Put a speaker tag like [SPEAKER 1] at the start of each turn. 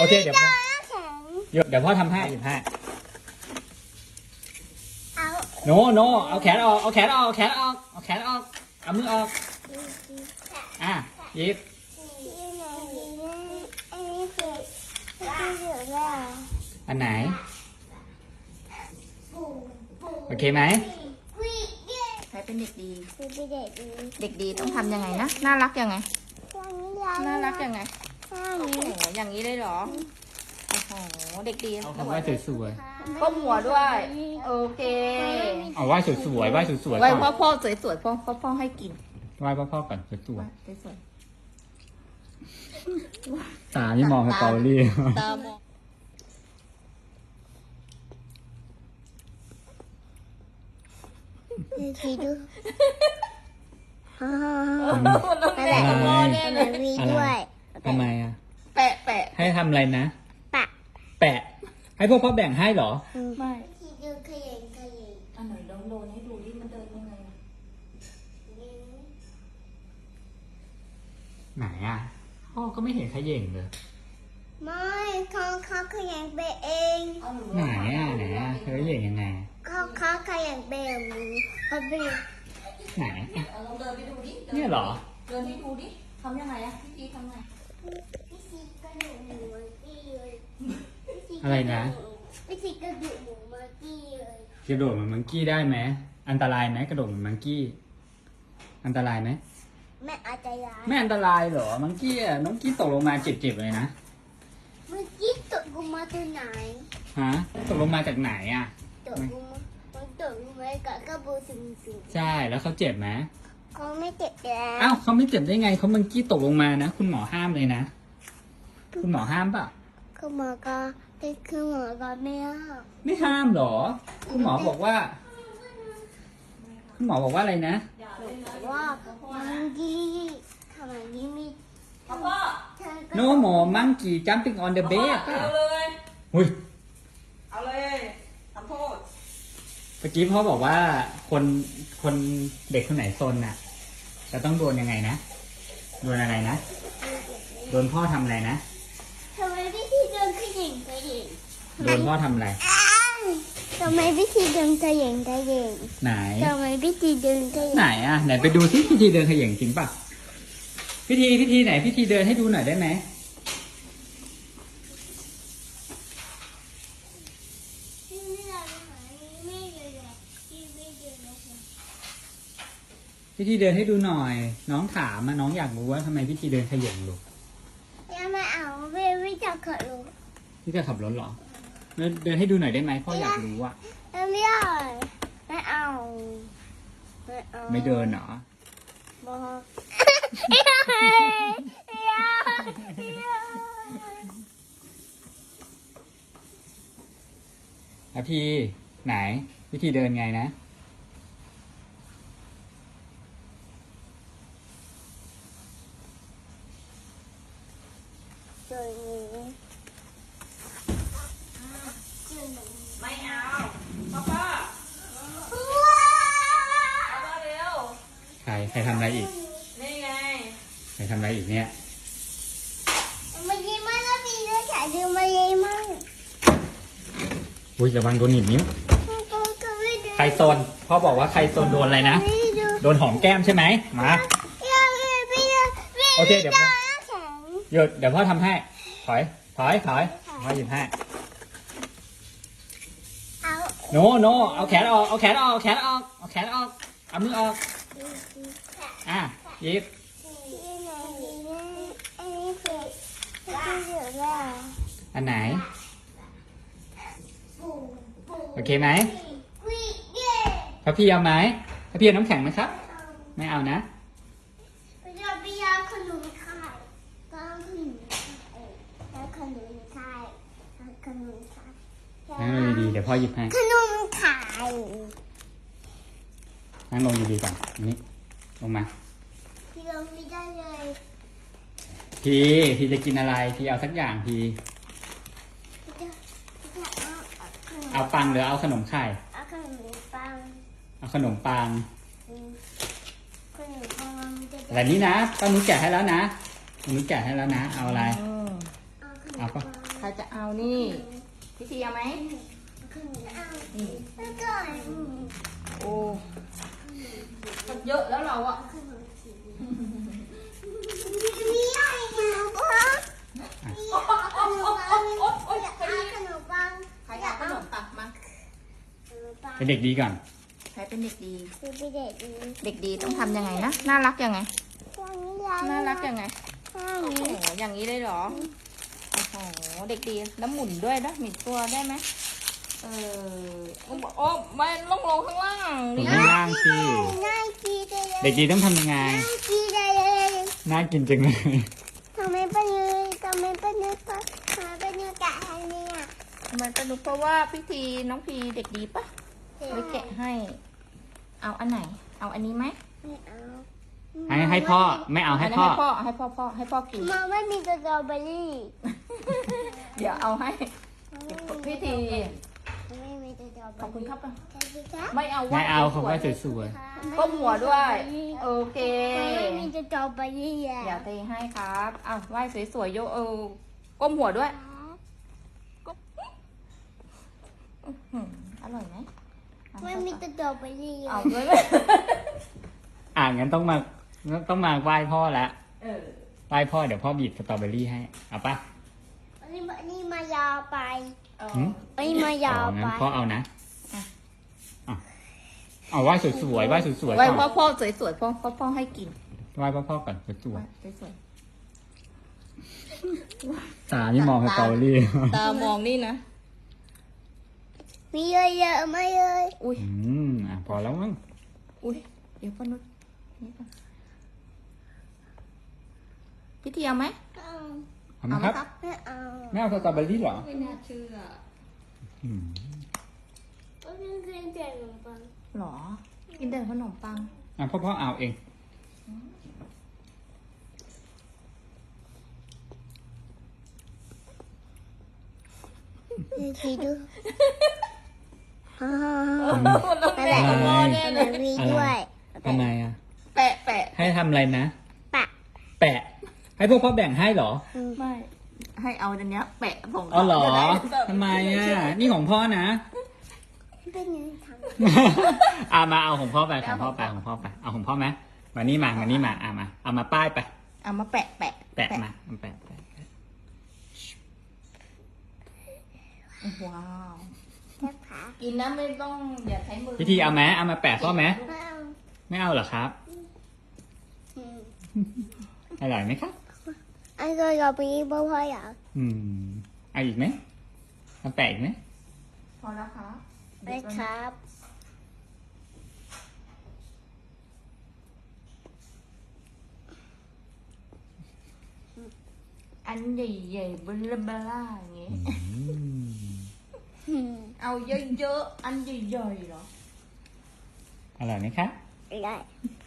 [SPEAKER 1] เคเดี๋ยวพ่อทำให้หยิบให้โนเอาแขนออกเอาแขนออกเอามือออกหยิบอันไหนโอเคไหม
[SPEAKER 2] ใครเป็นเด็กดีเด็กดีต้องทำยังไงนะน่ารักยังไงน่ารักยังไงโอ้โหอย่างนี้เลยเหรอโอ้โหเด็กดี
[SPEAKER 1] เอาคำว่าสวย
[SPEAKER 2] ก้มหัวด้วยโอเค
[SPEAKER 1] ๆเอาไหว้สวยๆไหว้สวยๆ
[SPEAKER 2] ไว้
[SPEAKER 1] ก่อน
[SPEAKER 2] พ่อสวยๆพ่อให้กิน
[SPEAKER 1] ไหว้พ่อก่อนสวย
[SPEAKER 2] สวย
[SPEAKER 1] ๆตานี่มองสตอรี่
[SPEAKER 2] ตามอง
[SPEAKER 3] ทีดู
[SPEAKER 2] มันต้อง
[SPEAKER 3] นั่น
[SPEAKER 2] แห
[SPEAKER 3] แห
[SPEAKER 2] ละ
[SPEAKER 3] ละ
[SPEAKER 2] พ่อแน่เล
[SPEAKER 3] มัน
[SPEAKER 2] ย
[SPEAKER 3] มีด้วย
[SPEAKER 1] ทำไมอ่ะ
[SPEAKER 2] แปะ
[SPEAKER 1] ให้ทำอะไรนะ
[SPEAKER 3] ปะ
[SPEAKER 1] แปะให้พวกพ่อแบ่งให้เหรอ
[SPEAKER 2] ไม่
[SPEAKER 3] ทีดูขยัน
[SPEAKER 2] อันไหนลองโดนให้ดูดิมันเดินยังไง
[SPEAKER 1] ไหนอ่ะพ่อก็ไม่เห็นขย่งเลย
[SPEAKER 3] ไม่เขาขยันไปเอง
[SPEAKER 1] ไหนอ่ะเธอขย่งยังไง
[SPEAKER 3] เขาขยันไปแบบนี้เขาไป
[SPEAKER 1] ไหน
[SPEAKER 2] ลองเดินไปดูดิ
[SPEAKER 1] เนี่ยเหรอ
[SPEAKER 2] เดินให้ดูดิทำยังไงอะพี่จีทำไง
[SPEAKER 3] พี่ซีกระดูกหมูมากี้เลย
[SPEAKER 1] อะไรนะ
[SPEAKER 3] พี่ซีกระดูกหมูมากี้เลย
[SPEAKER 1] กระโดดเหมือนมังกี้ได้ไหมอันตรายไหมกระโดดเหมือนมังกี้อันตรายไหม
[SPEAKER 3] แม่อาจจะย้าย
[SPEAKER 1] ไม่อันตรายเหรอมังกี้อ่ะมังกี้ตกลงมาเจ็บๆเลยนะ
[SPEAKER 3] เมื่อกี้ตกลงมาตัวไหน
[SPEAKER 1] ฮะตกลงมาจากไหนอ่ะ
[SPEAKER 3] ตกลงมามันตกลงมากับกระโปรงสูง
[SPEAKER 1] ใช่แล้วเขาเจ็บไหม
[SPEAKER 3] ๆเขาไม่เจ็บแล้ว
[SPEAKER 1] อ้าวเขาไม่เจ็บได้ไงเขามังกี้ตกลงมานะคุณหมอห้ามเลยนะคุณหมอห้ามปะ
[SPEAKER 3] คือหมอก็แต่คือหมอก็ไม่เอา
[SPEAKER 1] ไม่ห้ามเหรอ คุณหมอบอกว่า คุณหมอบอกว่าอะไรนะ
[SPEAKER 3] ว่ามันกี้ทำไมนี่มี
[SPEAKER 2] พ่อ
[SPEAKER 3] เธอก็
[SPEAKER 1] No more monkey jumping on the bed ป่ะ
[SPEAKER 2] เอาเลย
[SPEAKER 1] อุ้ย
[SPEAKER 2] เอาเลยทำโทษ
[SPEAKER 1] เมื่อกี้พ่อบอกว่าคนเด็กคนไหนซนน่ะ จะต้องโดนยังไงนะ โดนอะไรนะ โดนพ่อทำอะไรนะ
[SPEAKER 3] ทำไมพี่ทีเดินขยิงขยิง
[SPEAKER 1] โดนพ่อทำอะไร
[SPEAKER 3] ทำไมพี่ทีเดินขยิงขยิง
[SPEAKER 1] ไหน
[SPEAKER 3] ทำไมพี่ทีเดินขยิง
[SPEAKER 1] ไหนอ่ะ ไหนไปดูที่พิธีเดินเขย่งจริงป่ะ พิธีไหนพิธีเดินให้ดูหน่อยได้ไหม
[SPEAKER 3] พี่ไม่ได้หาไม่เลยพี่ไม่เดินนะคะ
[SPEAKER 1] พิธีเดินให้ดูหน่อย น้องถามอะน้องอยากรู้ว่าทำไมพิธีเดินเขย่งลูก
[SPEAKER 3] ยังไม่เอาไม่จะขอรู้
[SPEAKER 1] พี่จะขับรถเหรอเดินให้ดูหน่อยได้ไหมพ่ออยากรู้อะ
[SPEAKER 3] ไม่เอาไม่เอา
[SPEAKER 1] ไม่เดินเหรอ
[SPEAKER 3] บอก
[SPEAKER 1] แล้วพี่ไหนวิธีเดินไงนะ
[SPEAKER 3] ตัวนี้
[SPEAKER 2] ไม่เอาพ่อเอามาเร็ว
[SPEAKER 1] ใครทำอะไรอีก
[SPEAKER 2] นี่ไง
[SPEAKER 1] ใครทำอะไรอีกเนี่ย
[SPEAKER 3] มันยิ้มมากแล้วพี่ด้วยฉายดูมายิ้มมาก
[SPEAKER 1] อุ้ยระวังโดนหนีบนิ้วใครโซนพ่อบอกว่าใครโซนโดนอะไรนะโดนหอมแก้มใช่ไหมมาโอเคเดี๋ยวพ่อหยุดเดี๋ยวพ่อทำให้ถอยพ่อหยิบให้
[SPEAKER 3] เอา
[SPEAKER 1] โนเอาแขนออกเอาเอามือออกหยิบอันไหนโอเคไหมพระพี่เอาไหมพระพี่เอาน้ำแข็งไหมครับไม่เอานะ
[SPEAKER 3] ไปยาขนมไข่ก็ขนมไข่ขนมไข่
[SPEAKER 1] นั่งลงดีๆเดี๋ยวพ่อหยิบให้
[SPEAKER 3] ขนมไข่
[SPEAKER 1] นั่งลงดีๆก่อนอันนี้ลงมา
[SPEAKER 3] ที่เราไม่ได้เลย
[SPEAKER 1] พี่จะกินอะไรพี่เอาสักอย่างพี่เอาปังหรือเอาขนมไข่
[SPEAKER 3] เอาขนมปัง
[SPEAKER 1] เอาขนมปัง
[SPEAKER 3] ขนมปังมันจะ
[SPEAKER 1] อะไรนี้นะป้านุ้แกะให้แล้วนะป้านุ้แกะให้แล้วนะเอาอะไร
[SPEAKER 3] เอาขนม
[SPEAKER 1] เอา
[SPEAKER 3] ปั
[SPEAKER 1] ปะ
[SPEAKER 3] ง
[SPEAKER 2] รจะเอานี่พิธีเอาไหม
[SPEAKER 3] ขนมเอา
[SPEAKER 2] นี่
[SPEAKER 3] แล้วก็
[SPEAKER 2] โอ้มันเยอะแล้วเราอะ
[SPEAKER 3] ขนมจีนมีอะไรนะพ่อขนมปังอยากเอาขนมปัง
[SPEAKER 2] ใครเอาขนมตักมา
[SPEAKER 3] ขนมปัง
[SPEAKER 1] เป็นเด็กดีก่อน
[SPEAKER 2] ใครเป็นเด็กดี
[SPEAKER 3] คือไปเด็กดี
[SPEAKER 2] เด็กดีต้องทำยังไงนะ น่ารักยังไง น่ารักยังไง
[SPEAKER 3] ข้า
[SPEAKER 2] โอ้
[SPEAKER 3] ง
[SPEAKER 2] โห
[SPEAKER 3] นี้
[SPEAKER 2] อย่างนี้เลยเหรอ โอ้โห เด็กดีแล้วหมุนด้วยนะหมุนตัวได้ไหมโอ้ไม่ต้องลงข้างล่าง
[SPEAKER 1] ผม
[SPEAKER 2] นี่
[SPEAKER 1] ข้างล่างสิ
[SPEAKER 3] น่ากินเลย
[SPEAKER 1] เด็กดีต้องทำยังไง
[SPEAKER 3] น่ากินเลย
[SPEAKER 1] น่ากินจังเลย
[SPEAKER 3] ทำไมเป็นเลยทำไมเป็นเลยปะทำไมเป็นเลยกะอันนี้อ่ะ
[SPEAKER 2] ทำไมสนุกเพราะว่าพิธีน้องพีเด็กดีปะไปแกะให้ เอาอันไหน เอาอันนี้ไหม
[SPEAKER 3] ไม่เอา
[SPEAKER 1] ให้พ่อไม่เอาให้
[SPEAKER 2] อันนี้
[SPEAKER 1] พ่อ
[SPEAKER 2] ให้พ่อกิน
[SPEAKER 3] มาไม่มีสตรอเบอรี่
[SPEAKER 2] เดี๋ยวเอาให้พิธี
[SPEAKER 3] ไม่มีสตรอเบอรี่
[SPEAKER 2] ขอบคุณครับ
[SPEAKER 3] ขอบคุณครับ
[SPEAKER 2] ไม่เอา
[SPEAKER 1] ไม่เอาเขาว่า
[SPEAKER 2] สวย
[SPEAKER 1] สวย
[SPEAKER 2] ๆก้มหัวด้วย โอเค
[SPEAKER 3] ไม่มีสตรอเบอรี่อ่ะ
[SPEAKER 2] เดี๋ยวเทให้ครับเอาไหว้สวยๆโยก้มหัวด้วยอื้อหืออร่อยไหมเอา
[SPEAKER 3] ไม่มีสตรอเบอรี่
[SPEAKER 2] เอา
[SPEAKER 3] อ่ะ
[SPEAKER 2] ด้วยไหม
[SPEAKER 1] งั้นต้องมาไหว้พ่อละ
[SPEAKER 2] เออ
[SPEAKER 1] ไหว้พ่อเดี๋ยวพ่อบีบสตรอเบอรี่ให้ เอาปะ
[SPEAKER 3] อันนี้มายาวไป
[SPEAKER 2] เอา
[SPEAKER 1] หืม
[SPEAKER 3] อันนี้มายาว
[SPEAKER 1] งั้
[SPEAKER 3] ไป
[SPEAKER 1] นพ่อเอานะเอาไหว้สวยๆไหว้สวยๆ
[SPEAKER 2] ไว้
[SPEAKER 1] ก่อน
[SPEAKER 2] พ่อสวยๆพ่อให้กิน
[SPEAKER 1] ไหว้พ่อก่อนสวย
[SPEAKER 2] สวย
[SPEAKER 1] ๆตานี่มองสตรอเบอรี่
[SPEAKER 2] ๆตามองนี่นะ
[SPEAKER 3] มีเยอะๆไหมเลย
[SPEAKER 2] อุ้ย
[SPEAKER 1] พอแล้วมั้ง
[SPEAKER 2] อุ้ยเดี๋ยวป้านุชนี่ก่อนพิธีเอาไหม
[SPEAKER 3] เอา
[SPEAKER 1] เอาไหมครับ
[SPEAKER 3] ไม่เอา
[SPEAKER 1] ไม่เอาสตรอเบอรี่เหรอ
[SPEAKER 2] ไม่น่าเชื่อ
[SPEAKER 1] อืม
[SPEAKER 3] ก็เพิ่งเคยเจอขนมปัง
[SPEAKER 2] หรอ กินแต่ขนมปัง
[SPEAKER 1] พ่อเอาเอง
[SPEAKER 3] เดี๋ยวทีดูฮ่า
[SPEAKER 2] มันต้องแปะกับพ่อแน่เลย
[SPEAKER 3] มีด้วย
[SPEAKER 1] ทำไมอ่ะ
[SPEAKER 2] แปะ
[SPEAKER 1] ให้ทำอะไรนะ
[SPEAKER 3] ปะ
[SPEAKER 1] แปะ ให้พวกพ่อแบ่งให้เหรอ
[SPEAKER 2] ไม่ ให้เอาอันเนี้ยแปะผง
[SPEAKER 1] อ๋อเหรอ
[SPEAKER 2] จะด้
[SPEAKER 1] ทำไมอ่ะ นี่ของพ่อนะ
[SPEAKER 3] เป็นยังไงทำ
[SPEAKER 1] มาเอาของพ่อไปของพ่อไปของพ่อไปเอาของพ่อไหมมานี่มานี่มามาเอามาป้ายไป
[SPEAKER 2] เอามาแปะ
[SPEAKER 1] แปะมาแปะ
[SPEAKER 2] ว้าว
[SPEAKER 3] แค่ขา
[SPEAKER 2] กินนะไม่ต้องอย่าใช้มือ
[SPEAKER 1] พิธีเอาไหมเอามาแปะพ่อไหม
[SPEAKER 3] ไม่เอา
[SPEAKER 1] ไม่เอาเหรอครับ
[SPEAKER 3] อืม
[SPEAKER 1] อร่อยไหมครับ
[SPEAKER 3] อันก็เราไปบ่พ่ออยาก
[SPEAKER 1] เอาอีกไหมเอาแปะอีกไหม
[SPEAKER 2] พอแล้วครับ
[SPEAKER 3] ไปครับ
[SPEAKER 2] อันใหญ่ๆเบลาอย่างงี้
[SPEAKER 3] อืม
[SPEAKER 2] เอาเยอะๆ อันใหญ่ๆเหรอ
[SPEAKER 1] อร่อยไหมครับ
[SPEAKER 3] ได้